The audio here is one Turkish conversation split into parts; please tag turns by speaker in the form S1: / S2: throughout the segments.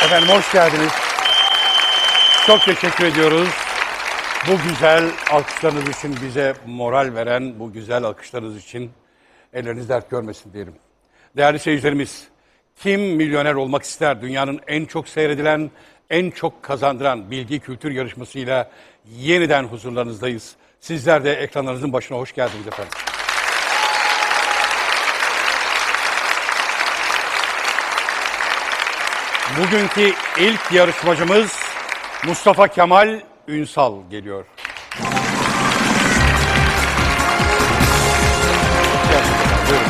S1: Efendim hoş geldiniz. Çok teşekkür ediyoruz. Bu güzel alkışlarınız için, bize moral veren bu güzel alkışlarınız için elleriniz dert görmesin diyelim. Değerli seyircilerimiz, kim milyoner olmak ister? Dünyanın en çok seyredilen, en çok kazandıran bilgi kültür yarışmasıyla yeniden huzurlarınızdayız. Sizler de ekranlarınızın başına hoş geldiniz efendim. Bugünkü ilk yarışmacımız Mustafa Kemal Ünsal geliyor. Buyurun.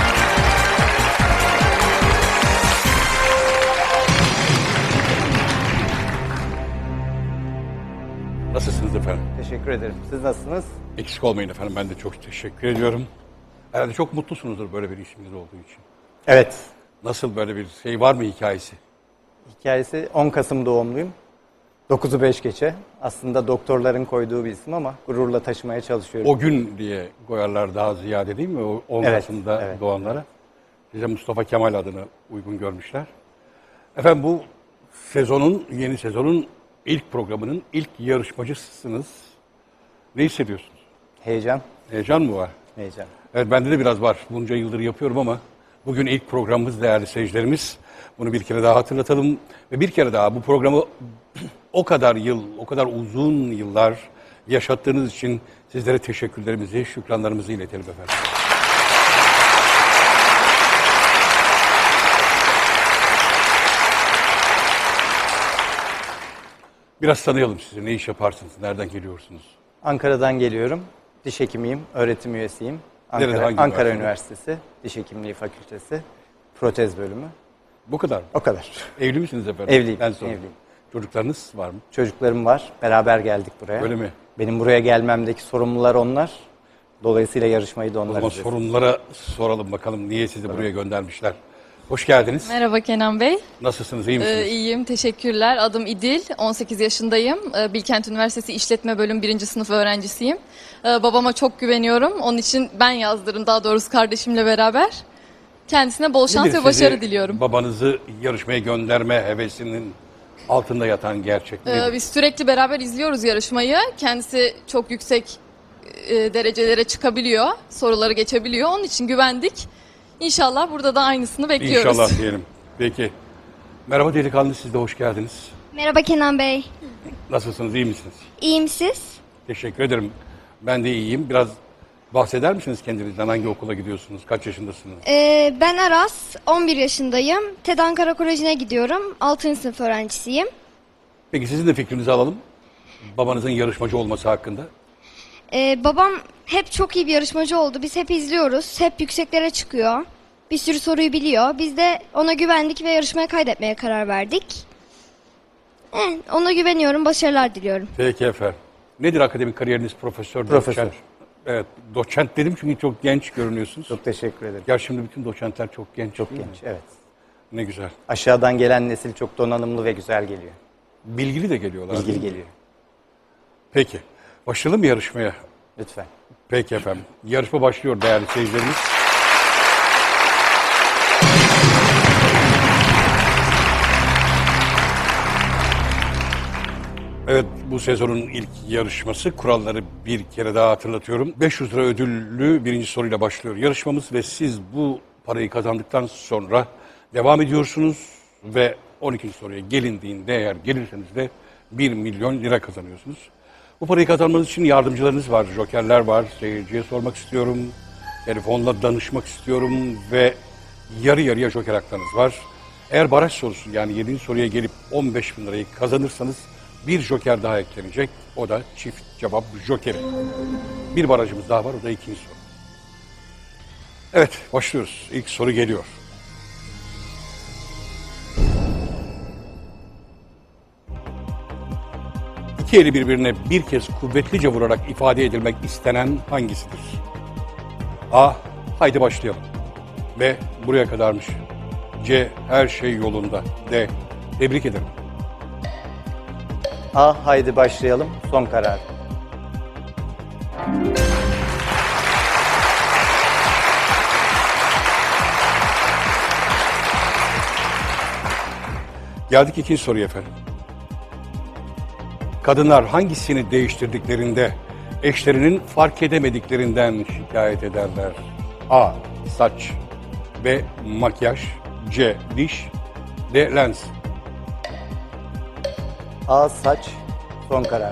S1: Nasılsınız efendim?
S2: Teşekkür ederim. Siz nasılsınız?
S1: Eksik olmayın efendim, ben de çok teşekkür ediyorum. Herhalde çok mutlusunuzdur böyle bir işiniz olduğu için.
S2: Evet.
S1: Nasıl, böyle bir şey var mı hikayesi?
S2: Hikayesi 10 Kasım doğumluyum. 9'u 5 geçe. Aslında doktorların koyduğu bir isim ama gururla taşımaya çalışıyorum.
S1: O gün diye koyarlar daha ziyade, değil mi? O 10
S2: Evet,
S1: Kasım'da
S2: evet.
S1: doğanlara. Size Mustafa Kemal adını uygun görmüşler. Efendim bu sezonun, yeni sezonun ilk programının ilk yarışmacısınız. Ne hissediyorsunuz?
S2: Heyecan.
S1: Heyecan mı var?
S2: Heyecan.
S1: Evet, bende de biraz var. Bunca yıldır yapıyorum ama bugün ilk programımız değerli seyircilerimiz. Bunu bir kere daha hatırlatalım. Ve bir kere daha bu programı o kadar yıl, o kadar uzun yıllar yaşattığınız için sizlere teşekkürlerimizi, şükranlarımızı iletelim efendim. Biraz tanıyalım sizi. Ne iş yaparsınız? Nereden geliyorsunuz?
S2: Ankara'dan geliyorum. Diş hekimiyim, öğretim üyesiyim.
S1: Nerede, hangi
S2: Ankara
S1: üniversite?
S2: Üniversitesi Diş Hekimliği Fakültesi Protez bölümü.
S1: Bu kadar mı?
S2: O kadar.
S1: Evli misiniz efendim?
S2: Evliyim,
S1: Ben sorayım.
S2: evliyim.
S1: Çocuklarınız var mı?
S2: Çocuklarım var. Beraber geldik buraya.
S1: Öyle mi?
S2: Benim buraya gelmemdeki sorumlular onlar. Dolayısıyla yarışmayı da
S1: O
S2: onlar
S1: zaman
S2: izlesin.
S1: sorunlara soralım bakalım niye sizi buraya göndermişler. Hoş geldiniz.
S3: Merhaba Kenan Bey.
S1: Nasılsınız, iyi misiniz?
S3: İyiyim, teşekkürler. Adım İdil, 18 yaşındayım. Bilkent Üniversitesi İşletme Bölüm 1. sınıf öğrencisiyim. Babama çok güveniyorum. Onun için ben yazdırdım, daha doğrusu kardeşimle beraber. Kendisine bol şans
S1: Nedir
S3: ve başarı
S1: sizi,
S3: diliyorum.
S1: babanızı yarışmaya gönderme hevesinin altında yatan gerçek nedir?
S3: Biz sürekli beraber izliyoruz yarışmayı. Kendisi çok yüksek derecelere çıkabiliyor, soruları geçebiliyor. Onun için güvendik. İnşallah burada da aynısını bekliyoruz.
S1: İnşallah diyelim. Peki. Merhaba delikanlı, siz de hoş geldiniz.
S4: Merhaba Kenan Bey.
S1: Nasılsınız, iyi misiniz?
S4: İyiyim siz?
S1: Teşekkür ederim. Ben de iyiyim. Biraz bahseder misiniz kendinizden? Hangi okula gidiyorsunuz? Kaç yaşındasınız?
S4: Ben Aras, 11 yaşındayım. TED Ankara Koleji'ne gidiyorum. 6. sınıf öğrencisiyim.
S1: Peki sizin de fikrinizi alalım. Babanızın yarışmacı olması hakkında.
S4: Babam hep çok iyi bir yarışmacı oldu. Biz hep izliyoruz. Hep yükseklere çıkıyor. Bir sürü soruyu biliyor. Biz de ona güvendik ve yarışmaya kaydetmeye karar verdik. Ona güveniyorum. Başarılar diliyorum.
S1: Peki efendim. Nedir akademik kariyeriniz, profesör?
S2: Profesör.
S1: Doçent? Evet, doçent dedim çünkü çok genç görünüyorsunuz.
S2: Çok teşekkür ederim.
S1: Ya şimdi bütün doçentler çok genç.
S2: Çok
S1: değil mi?
S2: genç, evet.
S1: Ne güzel.
S2: Aşağıdan gelen nesil çok donanımlı ve güzel geliyor.
S1: Bilgili de geliyorlar.
S2: İlgili
S1: değil mi?
S2: geliyor.
S1: Peki. Başlayalım mı yarışmaya?
S2: Lütfen.
S1: Peki efendim. Yarışma başlıyor değerli seyircilerimiz. Evet, bu sezonun ilk yarışması. Kuralları bir kere daha hatırlatıyorum. 500 lira ödüllü birinci soruyla başlıyor yarışmamız ve siz bu parayı kazandıktan sonra devam ediyorsunuz ve 12. soruya gelindiğinde, eğer gelirseniz de 1 milyon lira kazanıyorsunuz. Bu parayı kazanmanız için yardımcılarınız var, jokerler var. Seyirciye sormak istiyorum, telefonla danışmak istiyorum ve yarı yarıya joker haklarınız var. Eğer baraj sorusu, yani 7. soruya gelip 15 bin lirayı kazanırsanız bir joker daha eklenecek. O da çift cevap jokeri. Bir barajımız daha var, o da ikinci soru. Evet, başlıyoruz. İlk soru geliyor. İki eli birbirine bir kez kuvvetlice vurarak ifade edilmek istenen hangisidir? A. Haydi başlayalım. B. Buraya kadarmış. C. Her şey yolunda. D. Tebrik ederim.
S2: A. Haydi başlayalım. Son karar.
S1: Geldik ikinci soruya efendim. Kadınlar hangisini değiştirdiklerinde eşlerinin fark edemediklerinden şikayet ederler? A. Saç, B. Makyaj, C. Diş, D. Lens.
S2: A. Saç, son karar.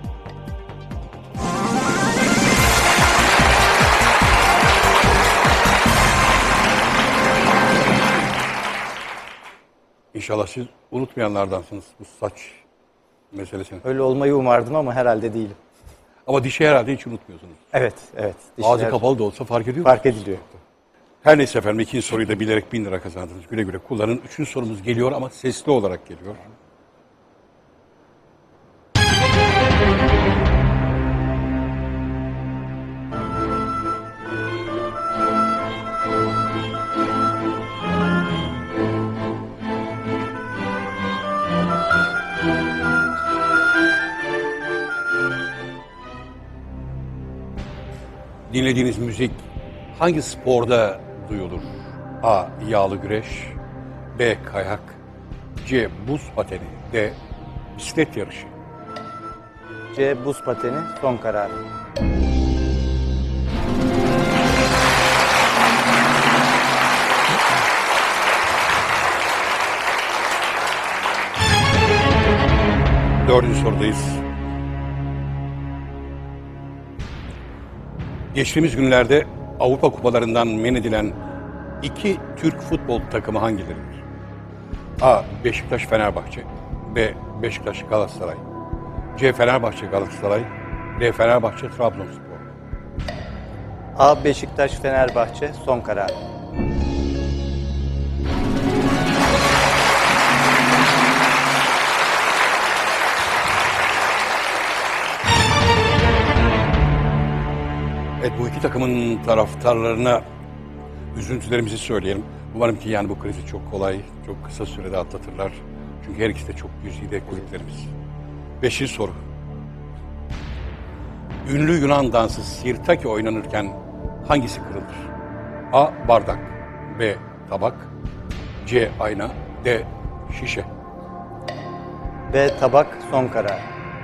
S1: İnşallah siz unutmayanlardansınız bu saç meselesini.
S2: Öyle olmayı umardım ama herhalde değilim.
S1: Ama dişi herhalde hiç unutmuyorsunuz.
S2: Evet, evet.
S1: Ağzı
S2: Dişler
S1: kapalı da olsa fark ediyor
S2: fark
S1: musunuz?
S2: ediliyor.
S1: Her neyse efendim, ikinci soruyu da bilerek 1000 lira kazandınız. Güle güle kullanın. Üçüncü sorumuz geliyor ama sesli olarak geliyor. Dinlediğiniz müzik hangi sporda duyulur? A. Yağlı güreş, B. Kayak, C. Buz pateni, D. Bisiklet yarışı.
S2: C. Buz pateni, son karar.
S1: Dördüncü sorudayız. Geçtiğimiz günlerde Avrupa Kupalarından men edilen iki Türk futbol takımı hangileridir? A. Beşiktaş Fenerbahçe, B. Beşiktaş Galatasaray, C. Fenerbahçe Galatasaray, D. Fenerbahçe Trabzonspor.
S2: A. Beşiktaş, Fenerbahçe, son karar.
S1: Evet, bu iki takımın taraftarlarına üzüntülerimizi söyleyelim. Umarım ki yani bu krizi çok kolay, çok kısa sürede atlatırlar. Çünkü her ikisi de çok güzide kulüplerimiz. Beşinci soru. Ünlü Yunan dansı Sirtaki oynanırken hangisi kırılır? A. Bardak, B. Tabak, C. Ayna, D. Şişe.
S2: B. Tabak, son karar.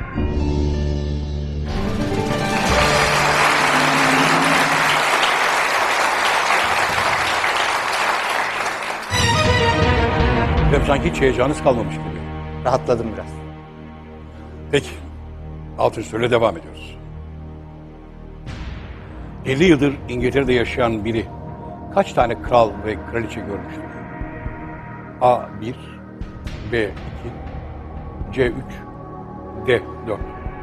S1: Ve sanki hiç heyecanınız kalmamış gibi.
S2: Rahatladım biraz.
S1: Peki, altıncı soruyla devam ediyoruz. 50 yıldır İngiltere'de yaşayan biri kaç tane kral ve kraliçe görmüştür? A. 1, B. 2, C. 3, D. 4.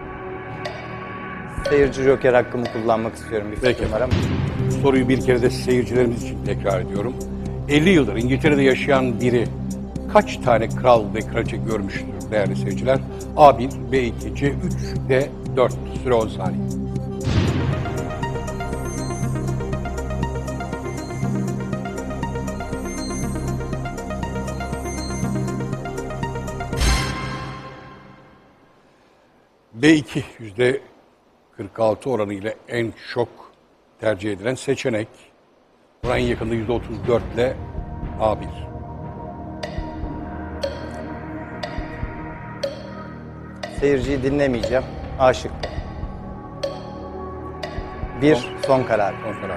S2: Seyirci joker hakkımı kullanmak istiyorum, bir
S1: Peki.
S2: fikrim var ama.
S1: Soruyu bir kere de seyircilerimiz için tekrar ediyorum. 50 yıldır İngiltere'de yaşayan biri kaç tane kral ve kraliçe görmüştür değerli seyirciler? A1, B2, C3, D4. Süre 10 saniye. B2 %46 oranıyla en çok tercih edilen seçenek. Buna en yakında %34 ile A1.
S2: Seyirciyi dinlemeyeceğim. A şıkkı. 1, son karar.
S1: Son karar.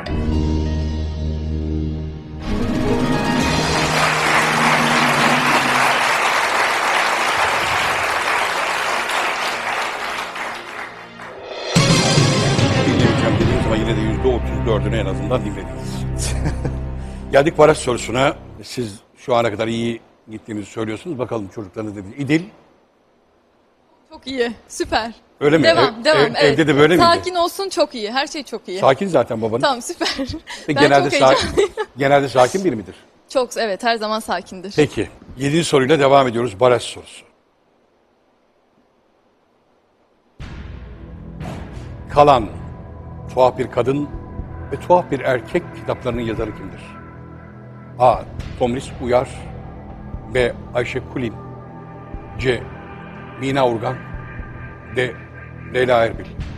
S1: Dinlemeyeceğim dediniz ama yine de %34'ünü en azından dinlediniz. Geldik baraj sorusuna. Siz şu ana kadar iyi gittiğimizi söylüyorsunuz. Bakalım çocuklarınız ne diyor? İdil,
S3: Çok iyi, süper.
S1: öyle mi?
S3: Devam, devam. Evet.
S1: Evde de böyle miydi?
S3: Sakin olsun, çok iyi. Her şey çok iyi.
S1: Sakin zaten babanız.
S3: Tamam, süper. Ben
S1: Genelde,
S3: çok heyecanlıyım.
S1: genelde sakin biri midir?
S3: Çok, evet, her zaman sakindir.
S1: Peki, 7. soruyla devam ediyoruz. Baraj sorusu. Kalan, Tuhaf Bir Kadın ve Tuhaf Bir Erkek kitaplarının yazarı kimdir? A. Tomris Uyar, B. Ayşe Kulin, C. Mina Urgan, D. Leyla Erbil.